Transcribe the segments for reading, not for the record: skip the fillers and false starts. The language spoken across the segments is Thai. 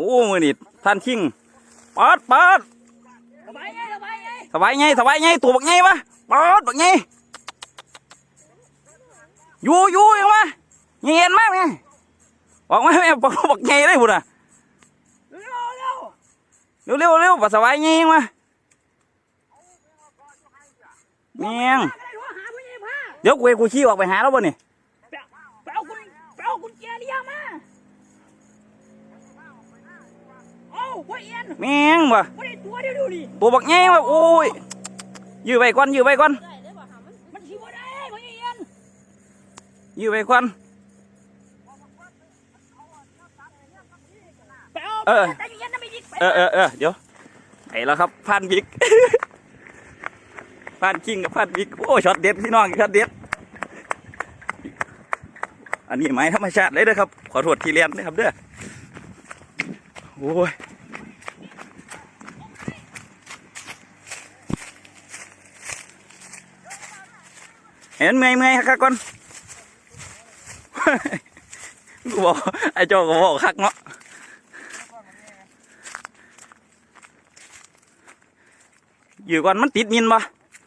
มือนี่ท่านชิงปัดสบายไงตัวบักไงวะปัดบักไงอยู่ยังวะเงียนมากไงบอกมาแม่บักไงได้บุญอ่ะเร็วปัสสาวะไงยังวะเมียงเดี๋ยวกูชี้ออกไปหาแล้วบ่เนี่ยไปเอากุญแจเลี้ยงมาเอาไว้เอ็นเมียงบ่ไม่ได้ตัวเดียวดูดิตัวบักไงวะโอ้ยยื้อไปก่อนมันชิวได้ไว้เอ็นยื้อไปก่อนเดี๋ยวไอ้แล้วครับพันบิ๊กพันคิงกับพันบิ๊กโอ้ช็อตเด็ดพี่น้องช็อตเด็ดอันนี้ไม้ธรรมชาติเลยนะครับขอโทษที่เรียนนะครับเด้อโอ้ยเห็นเมื่อยคักก่อนกูบอกไอ้โจก็บอกคักเนาะอยู่ก่อนมันติดมินบ่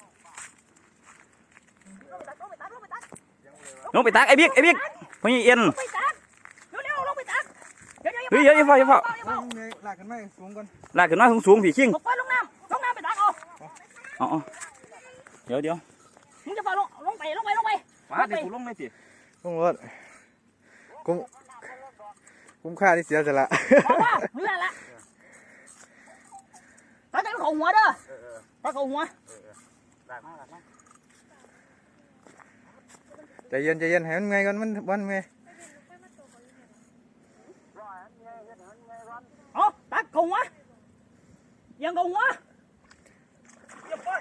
ลงไปตักไอ้บิ๊กพญเอ็นลงไปตักเฮ้ยอย่าเฝ้าลากขึ้นมาสูงก่อนลากขึ้นมาสูงผีชิงลงน้ำไปตักเอาเดี๋ยวมึงจะฝ่าลงไปฟ้าเดี๋ยวกูลงเลยสิลงรถคุ้มค่าที่เสียสละนี่แหละตักเขาหัวเด้อตักเขาหัวใจเย็นให้มันไงก่อนมันไงเอาตักเขาหัวยังเขาหัวอย่าไป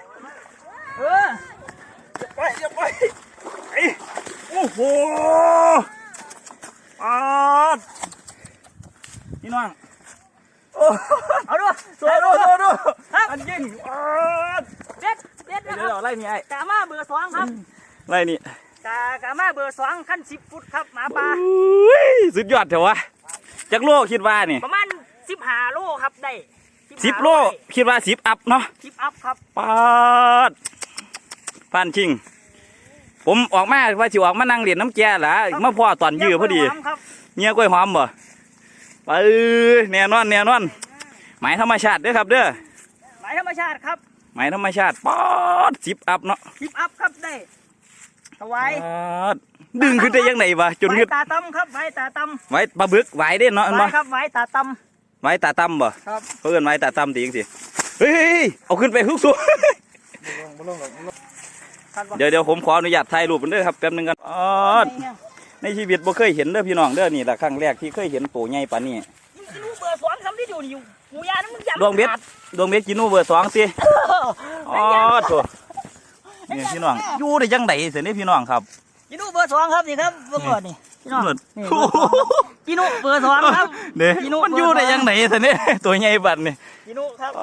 โอ้โหพี่น้องเอาดูอันยิงเด็ดเดี๋ยวไล่นี่ไอ้กามาเบอร์2ครับไล่นี่กามาเบอร์2ขั้น10 ฟุตครับหมาป่าสุดยอดเถอะวะจักโลคิดว่านี่ประมาณ15 โลครับได้ 10 โลคิดว่า10 อัพเนาะ 10 อัพครับปาดพันชิงผมออกมาว่าสิออกมานั่งเรียนน้ำแก่หรอมาพ่อตอนยื้อพอดีเงี้ยกล้วยหอมบ่ไปแน่นอนหมายธรรมชาติเด้อครับเด้อหมายธรรมชาติครับหมายธรรมชาติปอด10 อัพเนาะ 10 อัพครับได้ถวายดึงขึ้นได้ยังไงวะจนขึ้นตาตำครับไว้ตาตำไว้ปลาบึกไว้เด้เนาะไว้ครับไว้ตาตำไว้ตาตำบ่ครับเพื่อนไว้ตาตำตีจังสิเฮ้ยเอาขึ้นไปฮึกสูงเดี๋ยวผมขออนุญาตถ่ายรูปกันเด้อครับแป๊บนึงกันในชีวิตบ่เคยเห็นเด้อพี่น้องเด้อนี่แหละครั้งแรกที่เคยเห็นตัวใหญ่ปานนี้กินูเบอร์2ซ้ำที่อยู่หมูยานั้นมันดวงเบ็ดกินูเบอร์2สิโถนี่พี่น้องอยู่ได้ยังไงเสียนี่พี่น้องครับกินูเบอร์2ครับนี่ครับเบอร์นี่พี่น้องกินูเบอร์2ครับเนี่ยมันอยู่ได้ยังไงเสียนี่ตัวใหญ่บัดนี่กินูครับ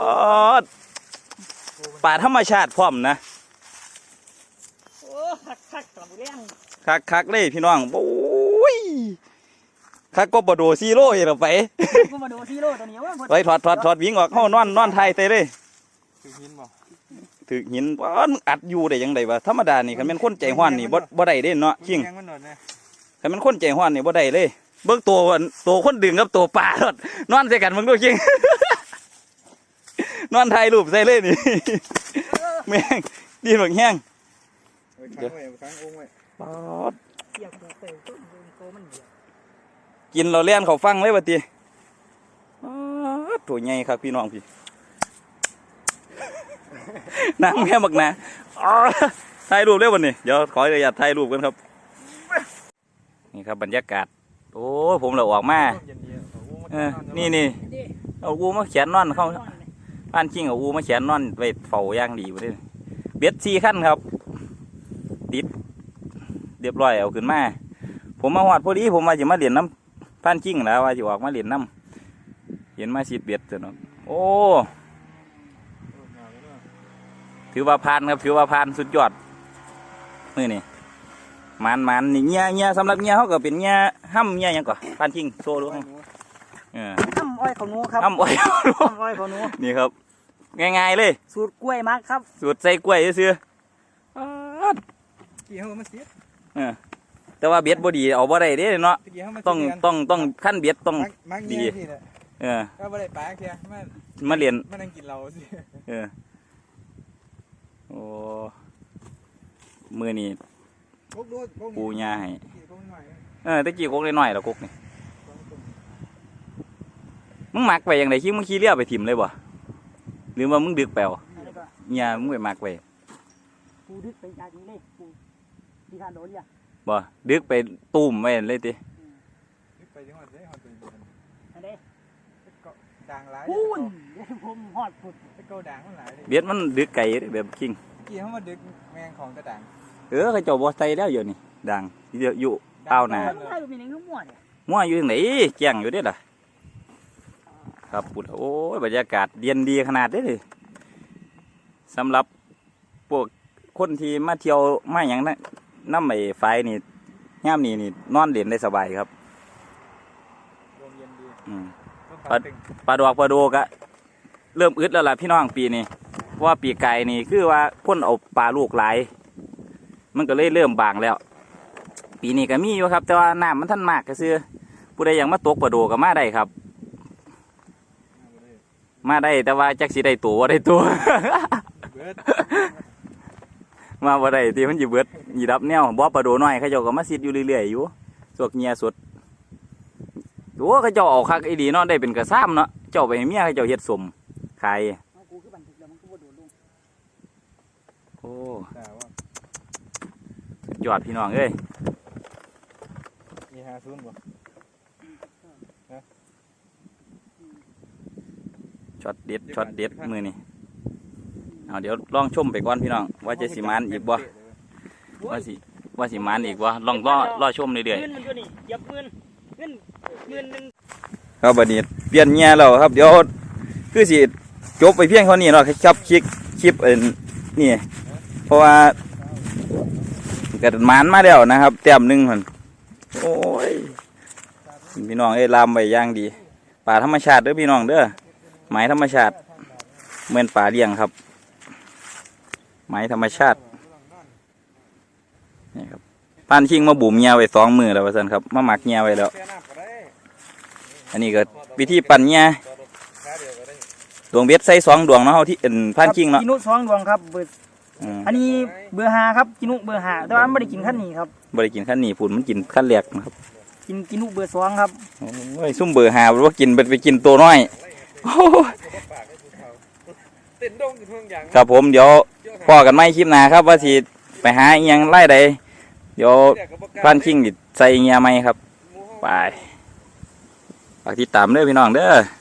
ป่าธรรมชาติพร้อมนะคักเลยพี่น้องโอ้ยคักก็บโดซีโร่เหรอไปก็บโดซีโร่ตัวนี้ไปถอดวิ่งออกเข้านอนไทยเตะเลยถือหินว่าอัดอยู่ได้ยังไงวะธรรมดานี่คันเป็นคนใจห้อนนี่บ่ได้เด้เนาะชิงคันเป็นคนใจห้อนนี่บ่ได้เลยเบิ่งตัวคนดึงกับตัวป่านอนใส่กันมึงดูชิงนอนไทยรูปใส่เลยนี่แม่งดีเหมือนแห้งกินเราเลี้ยนเขาฟังเลยปะตีตัวใหญ่ครับพี่น้องพี่น้ำแค่บักนะถ่ายรูปเร็ววันนี้เดี๋ยวขออนุญาตถ่ายรูปกันครับนี่ครับบรรยากาศโอ้ผมเราออกมานี่เอาอูมาเขียนนอนเข้าบ้านชิงเอาอูมาเขียนนอนไปเฝ้าย่างดีไปเลยเบ็ด4 ขั้นครับติดเรียบร้อยเอาขึ้นมาผมมาหอดพอดีผมมาจะมาเหรียญน้ำพันจิ้งแล้วว่าจะออกมาเหรียญน้ำเห็นมา10 เบ็ดเนาะโอ้ถือว่าผ่านครับถือว่าผ่านสุดยอดนี่มันนี่เงี้ยสำหรับเงี้ยเขาก็เป็นเงี้ยห้ำเงี้ยยังก่อนพันจิ้งโซ่รู้ไหมน้ำอ้อยเขาหนูครับอ้ำอ้อยน้ำอ้อยเขาหนูนี่ครับง่ายๆเลยสูตรกล้วยมักครับสูตรใส่กล้วยซื่อกี่เขามาเสียแต่ว่าเบ็ดบ่ดีเอาบ่ได้เด้เนาะกี่เขามาต้องขั้นเบ็ดต้องมักเงี้ยที่เนี่ยเออก็ไม่ได้ปลาแค่มันมาเรียนมันนั่งกินเราสิโอ้มือนี่กุ๊กดูกุ๊กปูยาให้กุ๊กหน่อยตะกี้กกน้อยๆแล้วกกนี่มึงมักไปอย่างไรคิดมึงขี่เรือไปถิ่มเลยบ่หรือว่ามึงดึกแปลวแล้วก็เนี่ยมึงไปมักไปปูดึกไปจากนี้เลยปูที่ทานโดนอย่าบ่ดึกไปตุ่มไว้เลยติไปที่หอดเลยหอดตัวอันนี้ด่างหลายปูนเดี๋ยวผมหอดปุดตะโกด่างมันหลายเลยเบ็ดมันดึกไก่แบบคิงกี่เขามาดึกแมงของกระด่างเขาเจ้าบ่ใส่แล้วอยู่นี่ดังอยู่เต้าหนาต้องใช้แบบนี้ก็มั่วเนี่ยมั่วอยู่ทางไหนแจ้งอยู่เด้ล่ะครับปุดโอ้ยบรรยากาศเย็นดีขนาดนี้เลยสำหรับพวกคนที่มาเที่ยวมาอย่างนั้นน้ำไอ้ไฟนี่ย่ามนี่นอนเล่นได้สบายครับลมเย็นดีอืมปลาตึงปลาดอกปลาโดกะเริ่มอึดแล้วล่ะพี่น้องปีนี้เพราะว่าปีไก่นี่คือว่าคนเอาปลาลูกหลาย มันก็เลยเริ่มบางแล้ว ปีนี้ก็มีอยู่ครับ แต่ว่าน้ำมันท่านมากก็ซื้อผู้ใดอยากมาตกปลาโดก็มาได้ครับ มาได้แต่ว่าจักสิได้ตัวบ่ได้ตัวเบิดมาบ่ได้ที่มันสิเบิดหยีดับแนวบ่ปลาโดน้อยเขาเจ้าก็มาซิดอยู่เรื่อยๆอยู่สวกเงียสดโอ้เขาเจ้าเอาคักอีดีเนาะได้เป็นกระซ้ำเนาะเจ้าไปให้เมียเขาเจ้าเฮ็ดสมขายเอากูคือบันทึกแล้วมันก็บ่โดดลงโอ้แต่ว่าสุดยอดพี่น้องเอ้ยมี50บ่ช็อตเด็ดช็อตเด็ดมือนี่เอาเดี๋ยวลองชมไปก่อนพี่น้องว่าจะสิมานอีกบ่ว่าสิมานอีกบ่ลองรอชมเรื่อยเงินมันก็นี่เหยียบเงินหนึ่งๆครับบัดนี้เปลี่ยนเงียแล้วครับเดี๋ยวคือสิจบไปเพียงเท่านี้เนาะครับคลิปนี่เพราะว่าเกิดหมานมาแล้วนะครับแต้มหนึงพุ่นโอ้ยพี่น้องเอ้ยลามไปอย่างดีป่าธรรมชาติเด้อพี่น้องเด้อหมายธรรมชาติเหมือนป่าเลี้ยงครับหมายธรรมชาตินี่ครับป้านชิงมาบุ่มเงียไว้2 มือแล้วว่าซั่นครับมาหมักเงียไว้แล้วแค่น้ำก็ได้อันนี้ก็วิธีปั่นเงียขาเดียวก็ได้ดวงเบ็ดใส่2 ดวงเนาะเฮาที่ป้านชิงเนาะกินุ2 ดวงครับเบอร์อืมอันนี้เบอร์5ครับกินุเบอร์5แต่ว่ามันไม่ได้กินขั้นนี้ครับบ่ได้กินขั้นนี้พุ่นมันกินขั้นแรกนะครับกินุเบอร์2ครับโอ้ยซุ่มเบอร์5บ่ว่ากินไปกินตัวน้อยโอ้ยเต้นดงอยู่เพิ่งอย่างครับผมเดี๋ยวพอกันใหม่คลิปหน้าครับว่าสิไปหาอีหยังไล่ใดเดี๋ยวป้านชิงนี่ใส่เงียใหม่ครับไปฝากติดตามเด้อพี่น้องเด้อ